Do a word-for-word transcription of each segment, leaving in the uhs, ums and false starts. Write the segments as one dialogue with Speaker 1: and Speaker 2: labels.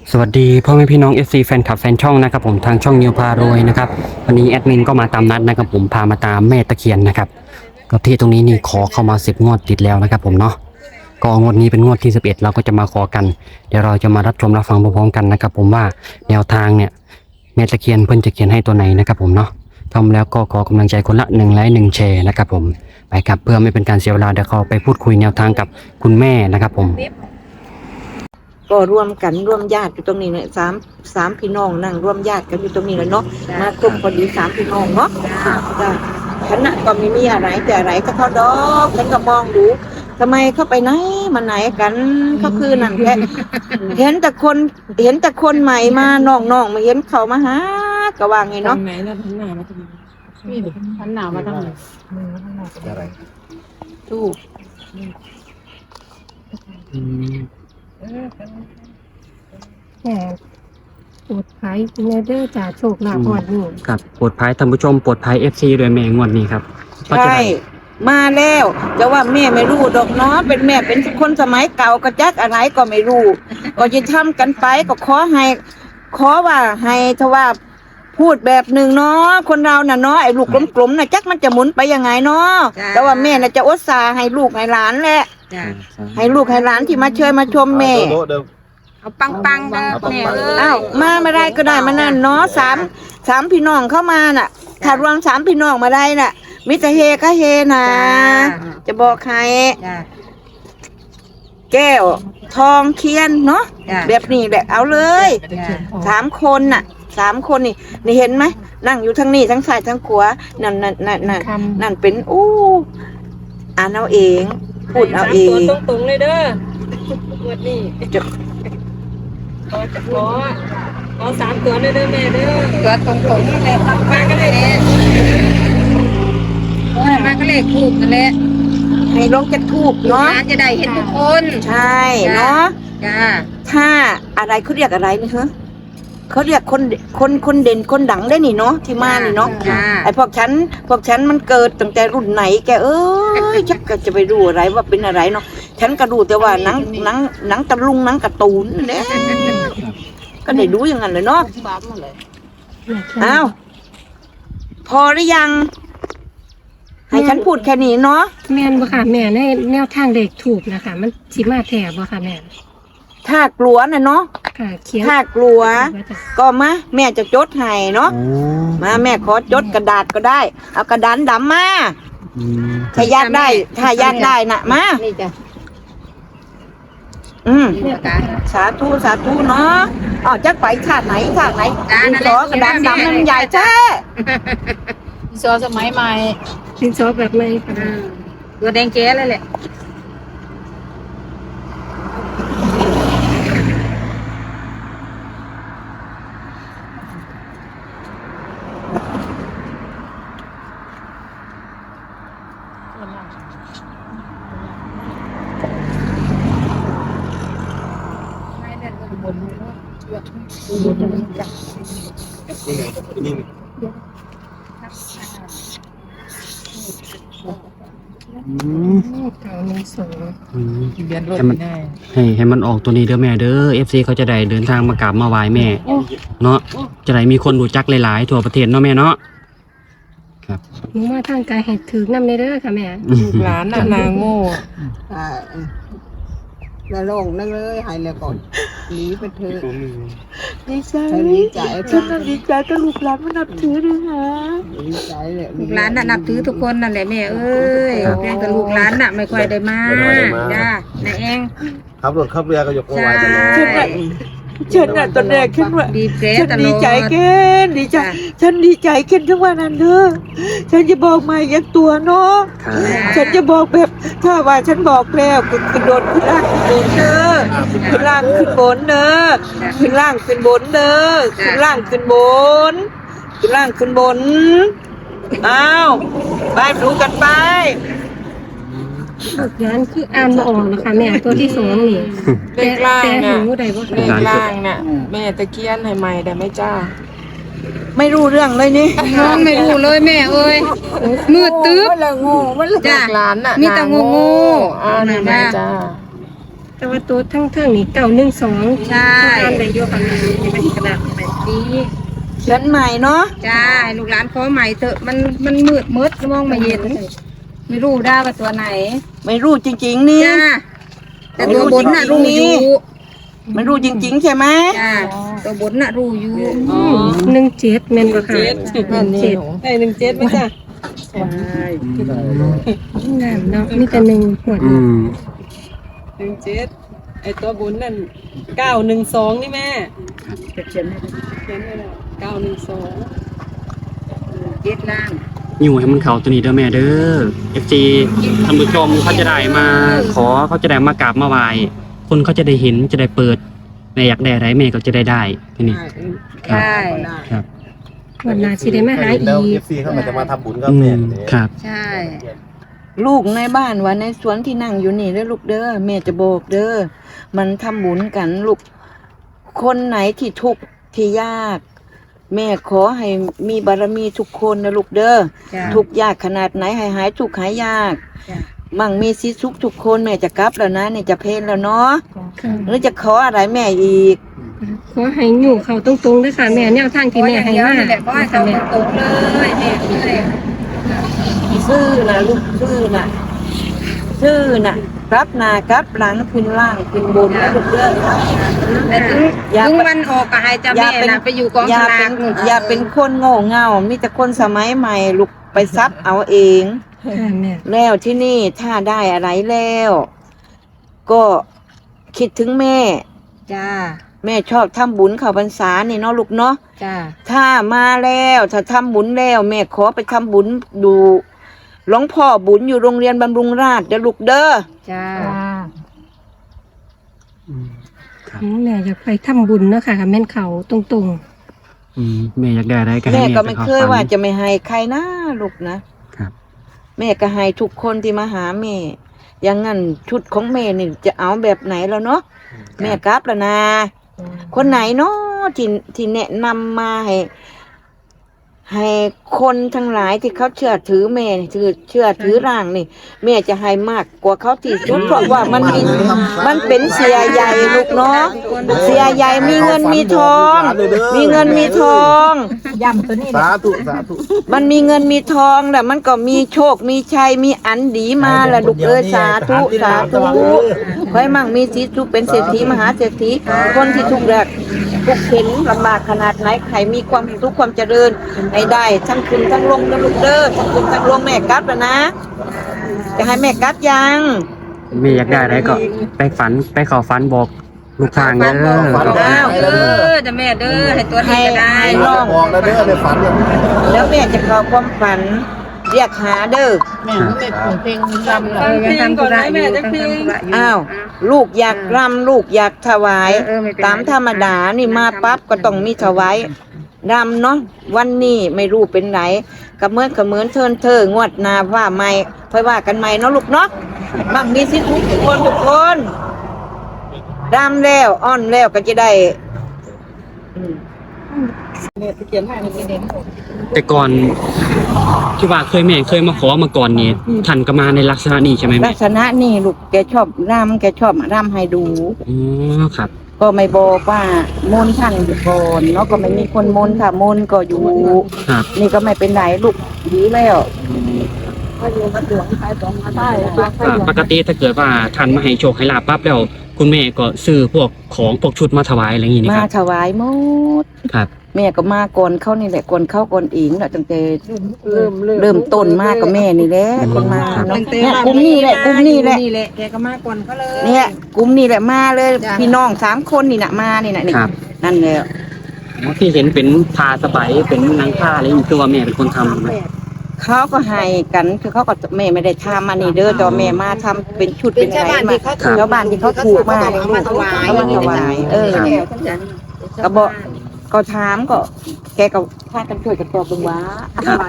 Speaker 1: สวัสดีพ่อแม่พี่น้อง เอฟ ซี แฟนคลับแฟนช่องนะครับผมทางช่องนิวพารวยนะครับวันนี้แอดมินก็มาตามนัดนะครับผมพามาตามแม่ตะเคียนนะครับก็ที่ตรงนี้นี่ขอเข้ามาสิบงวดติดแล้วนะครับผมเนาะก็งวดนี้เป็นงวดที่สิบเอ็ดเราก็จะมาขอกันเดี๋ยวเราจะมารับชมรับฟังพร้อมๆกันนะครับผมว่าแนวทางเนี่ยแม่ตะเคียนเพิ่นจะเขียนให้ตัวไหนนะครับผมเนาะทำแล้วก็ขอกำลังใจคนละหนึ่งไลค์หนึ่งแชร์นะครับผมไปครับเพื่อไม่เป็นการเสียเวลาเดี๋ยวเราไปพูดคุยแนวทางกับคุณแม่นะครับผม
Speaker 2: ก็ร่วมกันร่วมญาติอยู่ตรงนี้เนี่ยสามสามพี่น้องนั่งร่วมญาติกันอยู่ตรงนี้แล้วเนาะมาครบพอดีสามพี่น้องเนาะจ้ะฉันน่ะก็ไม่มีอะไรแต่อะไรก็เขาดอกฉันก็มองดูทำไมเขาไปไหนมาไหนกันเขาคือนั่นแค่เห็นแต่คนเห็นแต่คนใหม่มาน้องๆมาเห็นเขามาหากะว่าไงเนาะ
Speaker 3: ไหนแล้วทันหนามาทำไมนี่เดี๋ยวทันหนามาทำไมมือทันหนาเป็นอะไรถูก
Speaker 4: แหมปวดภัยเนเดอร์จ่าโชคลาภอดนี่
Speaker 1: ครับปลดภัยท่านผู้ชมปลดภัย เอฟ ซี ด้วยแม่งวดนี้ครับ
Speaker 2: ใช่มาแล้วจะว่าแม่ไม่รู้ดอกเนาะเป็นแม่เป็นคนสมัยเก่าก็จักอะไรก็ไม่รู้ก็จะทำกันไปก็ขอให้ขอว่าให้ทว่าพูดแบบหนึ่งเนาะคนเราน่ะเนาะไอ้ลูกกลมๆน่ะจักมันจะหมุนไปยังไงเนาะแต่ว่าแม่น่ะจะอุตส่าห์ให้ลูกให้หลานแหละให้ลูกให้หลานที่มาเชิญมาชมแม่
Speaker 3: เอาปังปังนะแม่เอ้ย
Speaker 2: อ้าวมาไม่ได้ก็ได้มานั่นเนาะสามสามพี่น้องเข้ามาน่ะถ้ารวมสามพี่น้องมาได้น่ะมิตรเฮก็เฮนะจะบอกใครแก้วทองเคียนเนาะแบบนี้แหละเอาเลยสามคนน่ะสามคนนี่นี่เห็นไหมนั่งอยู่ทั้งนี้ทั้งซ้ายทั้งขวานั่นนั่นนั่นนั่นนั่นเป็นอู้อ่านเอาเองพูดเอาเอง
Speaker 3: ตัวตรงๆเลยเด้อวันนี้จะขอจะขอขอสามตัวเลยเด้อแม่เด้อตัวตรงๆนี่แหละตั้งมาก็เลยมาก็เลยถูกนั่นแหละ
Speaker 2: ให้ลงจะถูกเนาะ
Speaker 3: จะได้เห็นทุกคน
Speaker 2: ใช่เนาะ
Speaker 3: จ้า
Speaker 2: ถ้าอะไรเขาเรียกอะไรนะฮะเขาเรียกคนคนคนเด่นคนดังได้นี่เนาะที่มานี่เนาะไอพวกฉันพวกฉันมันเกิดตั้งแต่รุ่นไหนแกเอ้ยชักก็จะไปรู้อะไรว่าเป็นอะไรเนาะฉันก็ดูแต่ว่าหนังหนังหนังตะลุงหนังการ์ตูนเนี่ยก็ได้ดูอย่างนั้นเลยเนาะอ้าวพอหรือยังให้ฉันพูดแค่นี้เนาะ
Speaker 4: แม่นบ่ค่ะแม่ในแนวทางเด็กถูกนะคะมันสิมาแถบบ่ค่ะแม่
Speaker 2: ถ้ากลัวน่ะเนาะถ้ากลัวก็มาแม่จะจดให้เนาะมาแม่ขอจดกระดาษก็ได้เอากระดานดำมาถ้าอยากได้ถ้าอยากได้น่ะมาอืมสาธุสาธุเนาะอ๋อจักไปชาติไหนชาติไหนดินสอกระดานดำมันใหญ่แท้
Speaker 3: ดินสอสมัยใหม่
Speaker 4: ดินสอแบบใหม่
Speaker 3: ตัวแดงแจ๋เลยแหละ
Speaker 1: ให้มันให้ให้มันออกตัวนี้เด้อแม่เด้อ เอฟ ซี เขาจะได้เดินทางมากราบมาไหว้แม่เนาะจะได้มีคนรู้จักหลายๆทั่วประเทศเนาะแม่เนาะครับ
Speaker 4: หนูมาทางกายให้ถือน้ำในเด้อค่ะแม่
Speaker 3: หลานน่ะนางโง่
Speaker 2: แล้วลงนั่งเลยหายเลยก่อนหนีไปเถอะดีใจดีใจฉันน่ะดีใจก็ลูกหลานมันนับถือด้วยฮะดีใจเลย
Speaker 3: ลูกหลานน่ะนับถือทุกคนนั่นแหละแม่เอ้ยแม่กับลูกหลานน่ะไม่ค่อยได้มาจ้าแม่เอง
Speaker 5: ขับรถขับเรือก็ยกมือไหว้ตลอด
Speaker 2: ฉันน่ะตอนแรกฉันว่าฉันดีใจเกินดีใจฉันดีใจเกินทั้งวันนั้นเด้อฉันจะบอกมาอย่างตัวเนาะฉันจะบอกแบบถ้าว่าฉันบอกแล้วกระโดดขึ้นล่างขึ้นบนเด้อขึ้นล่างขึ้นบนเด้อขึ้นล่างขึ้นบนเด้อขึ้นล่างขึ้นบนขึ้นล่างขึ้นบนอ้าวไปดูกันไป
Speaker 4: ลูกหลานคืออ่านบ่ออกนะคะแม่ตัวที่สองนี่
Speaker 3: เลขล่างน่ะ
Speaker 4: เลข
Speaker 3: ล่างน่ะแม่ตะเคียนให้ใหม่ได้ไหมจ้า
Speaker 2: ไม่รู้เรื่องเลยนี่
Speaker 3: น้องไม่รู้เลยแม่เอ้ยมืดตึ๊บ
Speaker 2: มันละงูมัน
Speaker 3: จ้าหลานน่ะมีแต่งูงูอ่านี่แม่จ้า
Speaker 4: แต่ว่าตัวทั้งเทิงนี่เก้าหนึ่งสอง
Speaker 3: ใช่
Speaker 4: อ่านได้อยู่ค่ะแม่นี่เป็นกระดาษแบบนี้
Speaker 2: เขียนใหม่เนาะ
Speaker 3: จ้าลูกหลานขอใหม่เถอะมันมันมืดมืดมองไม่เห็นไม่รู้ได้ว่าตัวไหน
Speaker 2: ไม่รู้จริงๆนี่
Speaker 3: จ้าแต่ตัวบนน่ะรู้อยู่
Speaker 2: ไม่รู้จริงๆใช่ไหม
Speaker 3: จ้าตัวบนน่ะรู้อยู่
Speaker 4: หนึ่งเจ็ดแม่นบ่ค่ะ
Speaker 3: เจ็ด
Speaker 4: หนึ่งเจ็ด
Speaker 3: ไอ้หนึ่งเจ็ดไหมจ้า
Speaker 4: งามเนาะมีแต่หนึ่งหัว
Speaker 1: อืม
Speaker 6: หนึ่งเจ็ดไอตัวบุญนั่นเก้าหนึ่งสองนี่แม่
Speaker 2: เขียนให้
Speaker 6: เขียนไว้แล้วเก้าหนึ่งสอง
Speaker 3: เจ็ดล่าง
Speaker 1: อยู่ให้มันเขาตัวนี้เด้อแม่เด้อ เอฟ ซี ท่านผู้ชมเขาจะได้มาขอเขาจะได้มากราบมาไหว้คนเขาจะได้เห็นจะได้เปิดแม่อยากได้อะไรแม่ก็จะได้ได้ทีนี้
Speaker 3: ใช่
Speaker 1: ครับ
Speaker 4: วันหน้าสิได้มาหาอี
Speaker 5: แล้ว
Speaker 4: ก
Speaker 5: เอฟซีเข้ามาจะมาทำบุญกับ
Speaker 1: อื
Speaker 5: แม่
Speaker 1: ม
Speaker 5: เนี่ย
Speaker 1: ครับ
Speaker 3: ใช่
Speaker 2: ลูกในบ้านว่าในสวนที่นั่งอยู่นี่เด้อลูกเด้อแม่จะบอกเด้อมันทำบุญกันลูกคนไหนที่ทุกข์ที่ยาก แม่ขอให้มีบารมีทุกคนนะลูกเด้อ
Speaker 3: จ้า
Speaker 2: ทุกข์ยากขนาดไหนให้หายทุกข์หายยาก
Speaker 3: จ้ะ
Speaker 2: มั่งมีสิสุขทุกคนแม่จะกลับแล้วนะเนี่ยจะเพลนแล้วเนาะ
Speaker 4: ค่ะ
Speaker 2: หรือจะขออะไรแม่อีก
Speaker 4: ขอให้อยู่เขาตรงๆด้วยค่ะแม่แนวทางที่แม่ให้มา
Speaker 3: นี่แหละก็ให้
Speaker 4: ค่ะ
Speaker 3: เขา
Speaker 4: แม่
Speaker 3: ตรงเลยแม่เลย
Speaker 2: ซื่อนะลูกซื่อนะซื่อนะกลับหน้ากลับหลังขึ้นล่างขึ้นบนนะลูกเด้อ
Speaker 3: แต่ถึง
Speaker 2: อย่า
Speaker 3: ถึง
Speaker 2: ไป
Speaker 3: วันออกก็ให้เจ้าแม่น่ะไปอยู่กอง
Speaker 2: อย่า
Speaker 3: สลา
Speaker 2: เป็
Speaker 3: ก
Speaker 2: น
Speaker 3: นู่น
Speaker 2: อย่าเป็นคนโง่เง่ามีแต่คนสมัยใหม่ลูกไปซับเอาเอง
Speaker 4: ค่ะแม่
Speaker 2: แล้วที่นี่ถ้าได้อะไรแล้ว ก็คิดถึงแม่
Speaker 3: จ้า
Speaker 2: แม่ชอบทำบุญเข้าพรรษานี่เนาะลูกเนาะ
Speaker 3: จ้า
Speaker 2: ถ้ามาแล้วถ้าทำบุญแล้ว แม่ขอไปทำบุญดูหลวงพ่อบุญอยู่โรงเรียนบำรุงราษฎร์เด้อลูกเด้อ
Speaker 3: จ้า
Speaker 1: อืมครับ
Speaker 4: อืมแม่อยากไปทำบุญเนาะค่ะแม่นเขาตรง
Speaker 1: อืมแม่อยากได้อะไรก็ให้
Speaker 2: แม่
Speaker 1: แม่
Speaker 2: ก็
Speaker 1: ไป
Speaker 2: ไม่
Speaker 1: ขอ
Speaker 2: เคย
Speaker 1: ฝัน
Speaker 2: ว่าจะไม่ให้ใครนะลูกนะครับ แม่ก็ให้ทุกคนที่มาหาแม่อย่างงั้นชุดของแม่นี่จะเอาแบบไหนแล้วเนาะแม่กลับแล้วนะ คนไหนเนาะที่ที่แนะนำมาให้ ให้คนทั้งหลายที่เขาเชื่อถือแม่นี่ถือเชื่อถือร่างนี่ แม่จะให้มากกว่าเขาที่สุดเพราะว่ามันมีมันเป็นเสียใหญ่ลูกเนาะเสียใหญ่มีเงินมีทอง มีเงินมีทอง
Speaker 3: ย่ำตัวนี้
Speaker 5: สาธุสาธุ
Speaker 2: มันมีเงินมีทองแต่มันก็มีโชคมีชัยมีอันดีมาแหละลูกเอ้ยสาธุสาธุขอให้มั่งมีสีสุขเป็นเศรษฐีมหาเศรษฐีคนที่ทุกข์ยากทุกข์เข็นลำบากขนาดไหนใครมีความสุขความเจริญให้ได้ทั้งคุณทั้งลงนะลูกเด้อทั้งคุณทั้งลงแม่กลับแล้วนะจะให้แม่กลับยัง
Speaker 1: แม่อยากได้อะไรก็ไปฝันไปขอฝันบอกลูกทางเด้อ
Speaker 2: อ้าว
Speaker 3: เออเจ้าแม่เด้อให้ตัวนี้ก็ได้
Speaker 2: ให้
Speaker 5: น้องบอกแล้วเด้อในฝันเนี่ย
Speaker 2: แล้วแม่จะเข้าความฝันเรียกหาเด้อ
Speaker 3: เพลงรำเออยังทำธุระอยู่ยังทำธุระอยู่
Speaker 2: อ้าว ลูกอยากรำลูกอยากถวาย
Speaker 3: เออไม่เป็นไร
Speaker 2: ตามธรรมดานี่มาปั๊บก็ต้องมีถวายรำเนาะวันนี้ไม่รู้เป็นไหนกระเมินกระเมินเทินเธองวดหนาว่าไม่ค่อยว่ากันใหม่เนาะลูกเนาะบังมีสิทุกคนทุกคนรำแล้วอ้อนแล้วก็จะได้อืม
Speaker 1: แต่ก่อนที่ว่าเคยแม่เคยมาขอมาก่อนนี่ท่านก็มาในลักษณะนี้ใช่ไหม
Speaker 2: ลั
Speaker 1: แม่
Speaker 2: กษณะนี่ลูกแกชอบรำแกชอบรำให้ดู
Speaker 1: อ๋อครับ
Speaker 2: ก็ไม่บอกว่ามนต์ท่านอยู่ก่อนเนาะก็ไม่มีคนมนต์ค่ะมนต์ก็อยู่
Speaker 1: ครับ
Speaker 2: นี่ก็ไม่เป็นไรลูกดีแล้ว
Speaker 1: อ่าปกติถ้าเกิดว่าท่านมาให้โชคให้ลาบปั๊บแล้วคุณแม่ก็ซื้อพวกของพวกชุดมาถวายอะไรอย่างงี้นี่
Speaker 2: มา
Speaker 1: ครับ
Speaker 2: ถวายหมด
Speaker 1: ครับ
Speaker 2: แม่ก็มาก่อนเข้านี่แหละก่อนเข้าก่อนอิงแหละตั้งแต่
Speaker 6: เริ่ม
Speaker 2: เริ่มต้นมากกับแม่นี่แหละคนมาเนาะเนี่ยกลุ่มนี้แหละกลุ่มนี้แหละ
Speaker 3: นี่แหละแกก็มาก่อนเขาเลย
Speaker 2: เนี่ยกลุ่มนี้แหละมาเลย
Speaker 3: จ้ะ
Speaker 2: พี่น้องสามคนนี่นะมานี่นะนี่
Speaker 1: ครับ
Speaker 2: นั่นแหละ
Speaker 1: ที่เห็นเป็นผ้าสบายเป็นหนังผ้าอะไรอย่างงี้คือว่าแม่เป็นคนทำนะ
Speaker 2: เขาก็ให้กันคือเขาก็แม่ไม่ได้ทำมานี่เด้อแต่ว่าแม่มาทำเป็นชุดเป็นอะไรมาชาวบ้านที่เขาถูกมาเนี่ยลูกเขามาถวายเออ ก็บอกก็ถามก็ แกก็พากันช่วยกันตอบเบึงว่าอะไร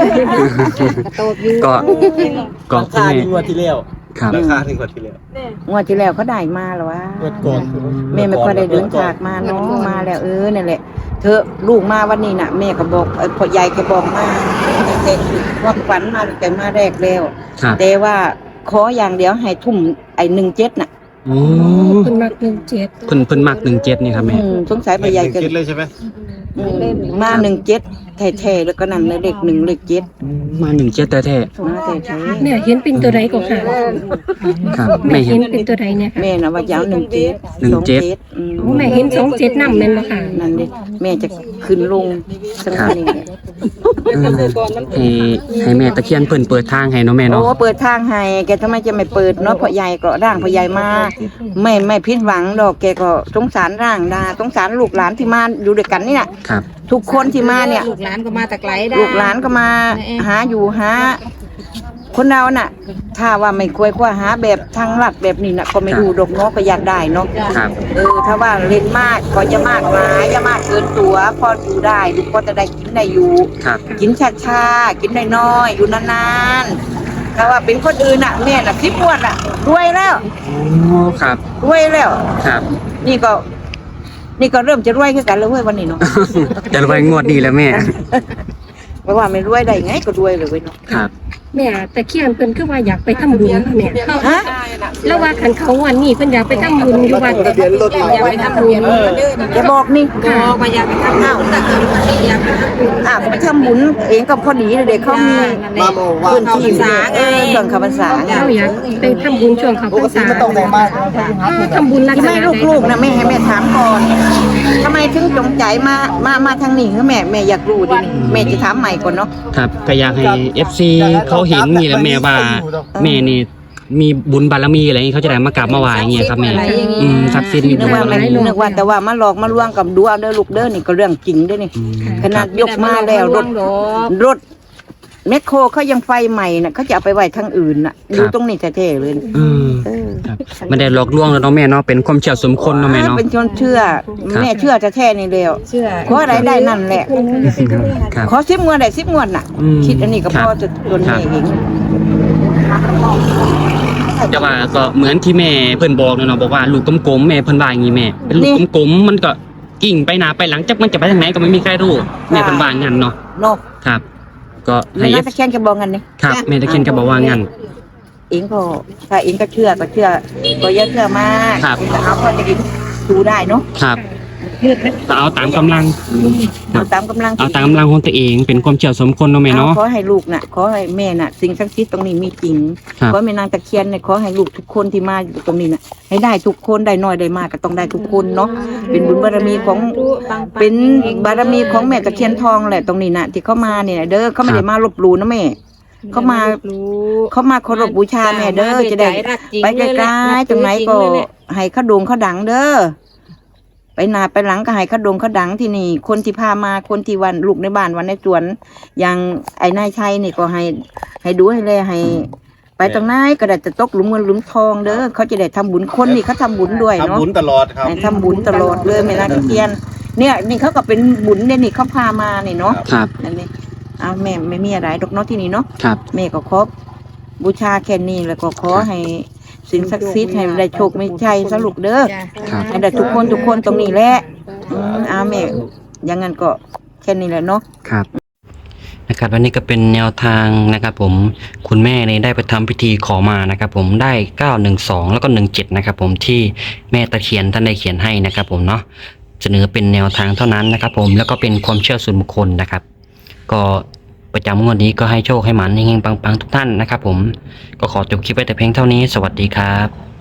Speaker 1: ก็ก็
Speaker 5: รา
Speaker 1: คุณ
Speaker 5: คา
Speaker 1: แม่
Speaker 5: ที่งวดที่แล้ว
Speaker 1: ครับ
Speaker 5: ราคาที่งวดที่แล้ว
Speaker 2: งวดที่แล้วเขาได้มาแล้ววะ
Speaker 5: งวดก่อน
Speaker 2: แม่ไม่ค่อยได้เดินฉากมาเนาะมาแล้วเออนั่นแหละเธอลูกมาวันนี้น่ะแม่ก็บอกเอ้ยพ่อใหญ่ก็บอกมาแต่ว่าฝันมาแต่มาแรกแล้ว
Speaker 1: ครับ
Speaker 2: แต่ว่าขออย่างเดียวให้ทุ่มไอ้หนึ่งเจ็ดน่ะ
Speaker 1: โอ้
Speaker 4: คุณมักหนึ่งเจ็ด
Speaker 1: เพิ่นเพิ่นมักหนึ่งเจ็ดนี่ครับแม่
Speaker 2: อืมสงสัยไปใหญ่เกิน
Speaker 5: คิดเลยใช่ไหม
Speaker 2: อืมมาหนึ่งเจ็ดแท้ๆแล้วก็นั่นเลยเลขหนึ่งเลขเจ็ด
Speaker 1: มาหนึ่งเจ็ดแท้
Speaker 2: มาแท้
Speaker 4: แม่เห็นเป็นตัวใดก็ค่ะ
Speaker 1: ๆครับ
Speaker 4: แม่
Speaker 1: แม่
Speaker 4: เห็
Speaker 1: เห็
Speaker 4: น
Speaker 1: น
Speaker 4: เป็นตัวใดเนี่ย
Speaker 2: ๆ
Speaker 4: ค่ะ
Speaker 2: แม่น่ะว่าจะเอาหนึ่งเจ็ด
Speaker 1: หนึ่งเจ็ด
Speaker 2: อืม
Speaker 4: โอ้แม่เห็นสองเจ็ดนำแม่นบ่ค่ะ
Speaker 2: นั่นดิแม่จะขึ้นลงสักนิดนึง
Speaker 1: เออให้ให้แม่ตะเคียนเพิ่นเปิดทางให้เนาะแม่เนาะ
Speaker 2: โอ้เปิดทางให้แกทำไมจะไม่เปิดเนาะพ่อใหญ่ก็ร่างพ่อใหญ่มาไม่ไม่ผิดหวังดอกแกก็สงสารร่างดาสงสารลูกหลานที่มาอยู่ด้วยกันนี่น่ะ
Speaker 1: ครับ
Speaker 2: ทุกคนที่มาเนี่ย
Speaker 3: ลูกหลานก็มาแต่ไกลได้
Speaker 2: ลูกหลานก็มาหาอยู่หาคนเราน่ะ ถ้าว่าไม่ควยคว้าหาแบบทางลัดแบบนี้น่ะก็ไม่รู้ดอกเนาะก็อยากได้เนาะ
Speaker 1: ครับ
Speaker 2: เออถ้าว่าเล่นมากก็จะมากหลายอย่ามากเกินตัวพออยู่ได้ลูกก็จะได้กินได้อยู่
Speaker 1: ครับ
Speaker 2: กินช้าๆกินน้อยๆอยู่นานๆถ้าว่าเป็นคนอื่นน่ะแม่น่ะสิบงวดน่ะรวยแล้ว
Speaker 1: โอ้ครับ
Speaker 2: รวยแล้ว
Speaker 1: ครับ
Speaker 2: นี่ก็ นี่ก็เริ่มจะรวยขึ้นกันแล้วเว้ยวันนี้เนาะ
Speaker 1: จะรวยงวดนี้แล้วแม่
Speaker 2: ไม่ว่าไม่รวยได้ไงก็รวยเลยเว้ยเนาะ
Speaker 1: ครับ
Speaker 4: แม่ตะเคียนเพิ่นคือว่าอยากไปทำบุญค่ะแม่
Speaker 2: ฮะ
Speaker 4: แล้วว่าคันเขาวันนี้เพิ่นอยากไปทำบุญอยู่วัด
Speaker 5: ทะเบียนรถเรา
Speaker 3: อย่าไปทำบุญ
Speaker 2: อย่าบอกนี่
Speaker 3: บอกว่าอย่าไปทำบุญแต่เกิดวันนี้อย่าไปทำบุญ
Speaker 2: อ่ะไปทำบุญเองก็พอดีเลยเด็กเขามี
Speaker 5: มาโมว่า
Speaker 2: พื้นที่เออเครื่องคำภาษาไง
Speaker 4: เราอยากไปทำบุญช่วงเขา
Speaker 5: ป
Speaker 4: พร
Speaker 5: ก
Speaker 4: ร
Speaker 5: ติ
Speaker 4: ษา
Speaker 5: มันต้องแต่งบ้าน
Speaker 4: เออทำบุญลักษ
Speaker 2: ที่
Speaker 4: ณะ
Speaker 2: แม่
Speaker 4: ใด
Speaker 2: ลูกๆนะแม่ให้แม่ถามก่อนทำไมถึงจงใจมามามาทางนี้คือแม่แม่อยากรู้ดินี่แม่จะถามใหม่ก่อนเนาะ
Speaker 1: ครับก็อยากให้ เอฟ ซี เขาเห็นนี่แหละแม่ว่าแม่นี่มีบุญบารมีอะไรอย่างนี้เขาจะได้มากราบมาไหว้อย่างเงี้ยครับแม่อืมศักดิ์สิทธิ์มี
Speaker 2: นึ
Speaker 1: บุ
Speaker 2: ก
Speaker 1: ญ
Speaker 2: ว่า
Speaker 1: บาร
Speaker 2: ไม่
Speaker 1: มี
Speaker 2: นึกว่าแต่ว่ามาหลอกมาลวงกับดูเอาเด้อลูกเด้อนี่ก็เรื่องจริงเด้อนี่
Speaker 1: อืม
Speaker 2: ขนาดยกมาแล้วรถรถแมคโครเขายังไฟใหม่น่ะเขาจะเอาไปไว้ทางอื่นน่ะอยู่ตรงนี้แท้ๆเลย
Speaker 1: อืม
Speaker 2: เออ
Speaker 1: ครับไม่ได้หลอกลวงแล้วเนาะแม่เนาะเป็นความเชื่อส่วนบุคคลเนาะแม่เนาะ
Speaker 2: เป็นชนเชื่อ
Speaker 1: ครับ
Speaker 2: แม่เชื่อแท้ๆนี่แล้ว
Speaker 3: เชื่อ
Speaker 2: ขออะไรได้นั่นแหละ
Speaker 1: ครับ
Speaker 2: ขอสิบงวดได้สิบงวดน่ะ
Speaker 1: อืม
Speaker 2: คิดอันนี้ก็
Speaker 1: ครั
Speaker 2: พ
Speaker 1: บ
Speaker 2: อจะจนแม่เอง
Speaker 1: แต่ว่าก็เหมือนที่แม่เพิ่นบอกเนาะบอกว่าลูกกลมๆแม่เพิ่นว่าอย่างงี้แม่เป็นลูกกลมๆมันก็กิ่งไปหน้าไปหลังจักมันจะไปทางไหนก็ไม่มีใครรู้แม่เพิ่นว่างั้นเนาะ
Speaker 2: เนาะ
Speaker 1: ครับ ก็
Speaker 2: แม่
Speaker 1: ให้
Speaker 2: น่าจะแค่นจะบอกกันนี่
Speaker 1: ครับแม่ตะเคียนก็บอกว่างั้น
Speaker 2: เองก็ถ้าเองก็เชื่อก็เชื่อก็อย่าเชื่อมาก
Speaker 1: ครับ
Speaker 2: เองก็เอาพอจะกินดูได้เนาะ
Speaker 1: ครับก็เอาตามกำลัง
Speaker 2: เอาตามกำลัง
Speaker 1: เอาตามกำลังของตัวเองเป็นความเชื่อสมคนเนาะแม่เนาะ
Speaker 2: ขอให้ลูกน่ะขอให้แม่น่ะ สิ่งศักดิ์สิทธิ์ตรงนี้มีจริง
Speaker 1: ครับ
Speaker 2: ขอให้แม่นางตะเคียนเนี่ยขอให้ลูกทุกคนที่มาอยู่ตรงนี้น่ะ ให้ได้ทุกคนได้น้อยได้มากก็ต้องได้ทุกคนเนาะเป็นบุญบารมีของ เป็นบารมีของแม่ตะเคียนทองแหละตรงนี้น่ะ ที่เขามาเนี่ยเด้อเขาไม่ได้มาลบหลู่นะแม่เขามาเขามาเคารพบูชาแม่เด้อจะได้ ไปไกลๆตรงไหนก็ให้เขาโด่งเขาดังเด้อไปหน้าไปหลังก็ให้เขาโด่งเขาดังที่นี่ คนที่พามาคนที่วันลูกในบ้านวันในสวนอย่างไอ้นายชัยนี่ก็ให้ ให้ดูให้แลให้ ไปตรงไหนก็ได้จะตกหลุมเงินหลุมทองเด้อเขาจะได้ทำบุญคนนี่เขาทำบุญด้วยเนาะ
Speaker 5: ทำบุญตลอดครับ
Speaker 2: ให้ทำบุญตลอดเลยแม่นางตะเคียน เนี่ยนี่เขาก็เป็นบุญเนี่ยนี่เขาพามานี่เนาะ
Speaker 1: ครับ
Speaker 2: นั่นนี่เอาแม่ไม่มีอะไรดอกเนาะที่นี่เนาะ
Speaker 1: ครับ
Speaker 2: แม่ก็ขอบูชาแค่นี้แล้วก็ขอให้สิ่งศักดิ์สิทธิ์ให้ได้โชคไม่ใช่สรุปเด้อ
Speaker 1: ครับ
Speaker 2: ให้ได้ทุกคนทุกคนตรงนี้แหละอืมเอาแม่อย่างงั้นก็แค่นี้แหละเนาะ
Speaker 1: ครับนะครับวันนี้ก็เป็นแนวทางนะครับผมคุณแม่เนี่ยได้ไปทำพิธีขอมานะครับผมได้เก้าหนึ่งสองแล้วก็หนึ่งเจ็ดนะครับผมที่แม่ตะเคียนท่านได้เขียนให้นะครับผมเนาะเสนอเป็นแนวทางเท่านั้นนะครับผมแล้วก็เป็นความเชื่อส่วนบุคคลนะครับ ก็ประจำงวดนี้ก็ให้โชคให้หมันเฮงๆปังๆทุกท่านนะครับผมก็ขอจบคลิปไว้แต่เพียงเท่านี้สวัสดีครับ